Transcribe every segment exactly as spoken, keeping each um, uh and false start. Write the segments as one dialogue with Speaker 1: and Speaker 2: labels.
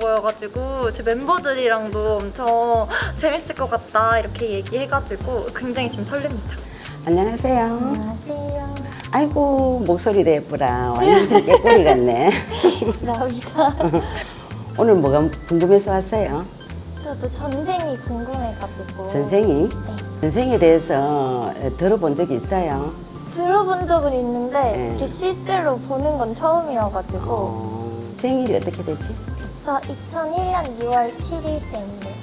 Speaker 1: 보여가지고 제 멤버들이랑도 엄청 재밌을 것 같다 이렇게 얘기해가지고 굉장히 지금 설렙니다.
Speaker 2: 안녕하세요.
Speaker 1: 안녕하세요.
Speaker 2: 아이고 목소리도 예쁘라. 완전 깨꼬리 같네.
Speaker 1: 감사합니다.
Speaker 2: 오늘 뭐가 궁금해서 왔어요?
Speaker 1: 저도 전생이 궁금해가지고
Speaker 2: 전생이?
Speaker 1: 네.
Speaker 2: 전생에 대해서 들어본 적이 있어요?
Speaker 1: 들어본 적은 있는데
Speaker 2: 네.
Speaker 1: 이렇게 실제로 보는 건 처음이어가지고
Speaker 2: 어, 생일이 어떻게 되지?
Speaker 1: 저 이천일 년 유월 칠일 생이에요.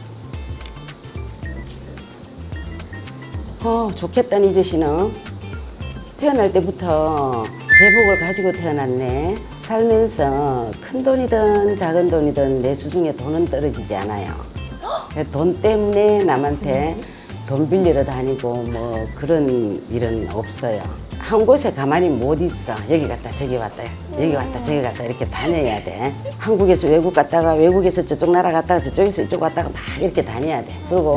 Speaker 2: 어, 좋겠다, 이제 씨는. 태어날 때부터 제복을 가지고 태어났네. 살면서 큰 돈이든 작은 돈이든 내 수중에 돈은 떨어지지 않아요. 돈 때문에 남한테 돈 빌리러 다니고 뭐 그런 일은 없어요. 한 곳에 가만히 못 있어. 여기 갔다 저기 왔다 여기 왔다 저기 갔다 이렇게 다녀야 돼. 한국에서 외국 갔다가 외국에서 저쪽 나라 갔다가 저쪽에서 이쪽 왔다가 막 이렇게 다녀야 돼. 그리고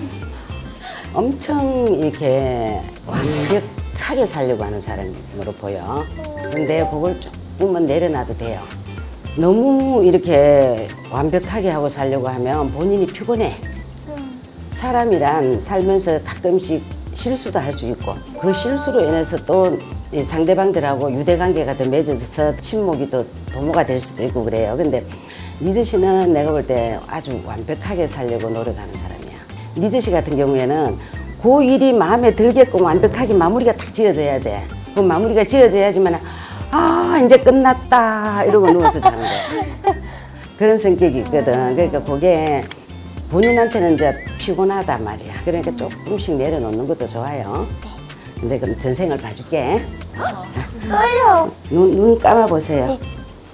Speaker 2: 엄청 이렇게 완벽하게 살려고 하는 사람으로 보여. 근데 그걸 조금만 내려놔도 돼요. 너무 이렇게 완벽하게 하고 살려고 하면 본인이 피곤해. 사람이란 살면서 가끔씩 실수도 할 수 있고 그 실수로 인해서 또 상대방들하고 유대관계가 더 맺어져서 친목이 더 도모가 될 수도 있고 그래요. 근데 니즈 씨는 내가 볼 때 아주 완벽하게 살려고 노력하는 사람이야. 니즈 씨 같은 경우에는 그 일이 마음에 들게끔 완벽하게 마무리가 딱 지어져야 돼. 그 마무리가 지어져야지만 아 이제 끝났다 이러고 누워서 자는 거야. 그런 성격이 있거든. 그러니까 그게 본인한테는 이제 피곤하단 말이야. 그러니까 조금씩 내려놓는 것도 좋아요. 근데 그럼 전생을 봐줄게. 자,
Speaker 1: 떨려.
Speaker 2: 눈, 눈 감아보세요.
Speaker 1: 네.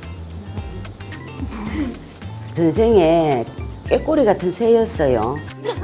Speaker 2: 전생에 꾀꼬리 같은 새였어요.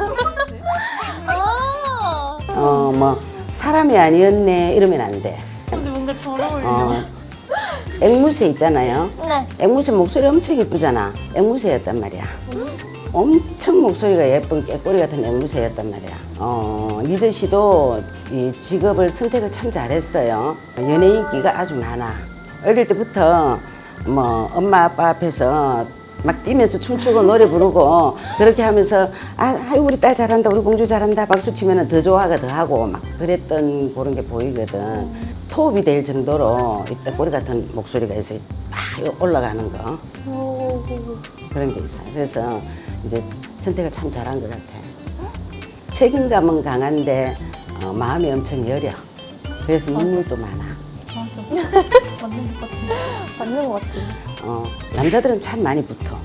Speaker 1: 아.
Speaker 2: 어, 뭐, 사람이 아니었네, 이러면 안 돼.
Speaker 3: 근데 뭔가 잘 어울려.
Speaker 2: 어, 앵무새 있잖아요.
Speaker 1: 네.
Speaker 2: 앵무새 목소리 엄청 이쁘잖아. 앵무새였단 말이야. 엄청 목소리가 예쁜 깨꼬리 같은 앵무새였단 말이야. 어, 니즈 씨도 이 직업을 선택을 참 잘했어요. 연예인기가 아주 많아. 어릴 때부터 뭐 엄마 아빠 앞에서 막 뛰면서 춤추고 노래 부르고 그렇게 하면서 아, 아유 우리 딸 잘한다 우리 공주 잘한다 박수 치면 더 좋아가 더 하고 막 그랬던 그런 게 보이거든. 토업이 될 정도로 이 빼꼬리 같은 목소리가 있어 막 올라가는 거
Speaker 1: 오.
Speaker 2: 그런 게 있어요. 그래서 이제 선택을 참 잘한 것 같아. 책임감은 강한데 어, 마음이 엄청 여려. 그래서 눈물도 많아.
Speaker 3: 맞아. 맞는 것 같아.
Speaker 1: 맞는 것 같아요.
Speaker 2: 어, 남자들은 참 많이 붙어.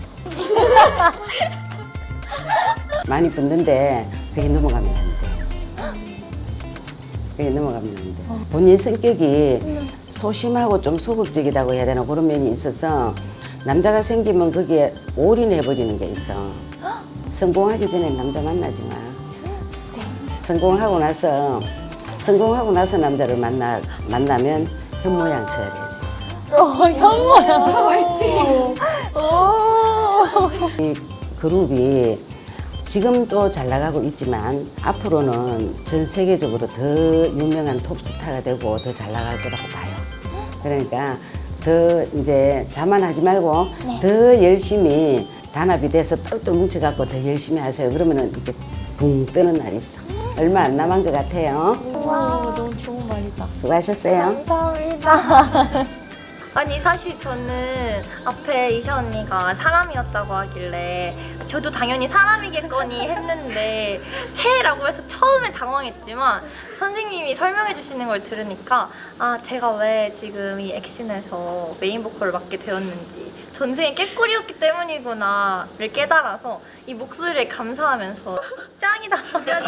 Speaker 2: 많이 붙는데 그게 넘어가면 안 돼. 그게 넘어가면 안 돼. 본인 성격이 소심하고 좀 소극적이라고 해야 되나 그런 면이 있어서 남자가 생기면 거기에 올인해버리는 게 있어. 성공하기 전에 남자 만나지 마. 성공하고 나서 성공하고 나서 남자를 만나 만나면 현모양처가 될 수 있어.
Speaker 1: 어, 현모야. 오.
Speaker 2: 이 그룹이 지금도 잘 나가고 있지만 앞으로는 전 세계적으로 더 유명한 톱스타가 되고 더 잘 나갈 거라고 봐요. 그러니까 더 이제 자만하지 말고
Speaker 1: 네.
Speaker 2: 더 열심히 단합이 돼서 똘똘 뭉쳐갖고 더 열심히 하세요. 그러면은 이렇게 붕 뜨는 날이 있어. 얼마 안 남은 것 같아요.
Speaker 1: 와.
Speaker 3: 오, 너무 좋은 말이다.
Speaker 2: 수고하셨어요.
Speaker 1: 감사합니다. 아니 사실 저는 앞에 이샤 언니가 사람이었다고 하길래 저도 당연히 사람이겠거니 했는데 새라고 해서 처음에 당황했지만 선생님이 설명해 주시는 걸 들으니까 아 제가 왜 지금 이 액션에서 메인 보컬을 맡게 되었는지 전생에 깨꼬리였기 때문이구나를 깨달아서 이 목소리를 감사하면서 짱이다.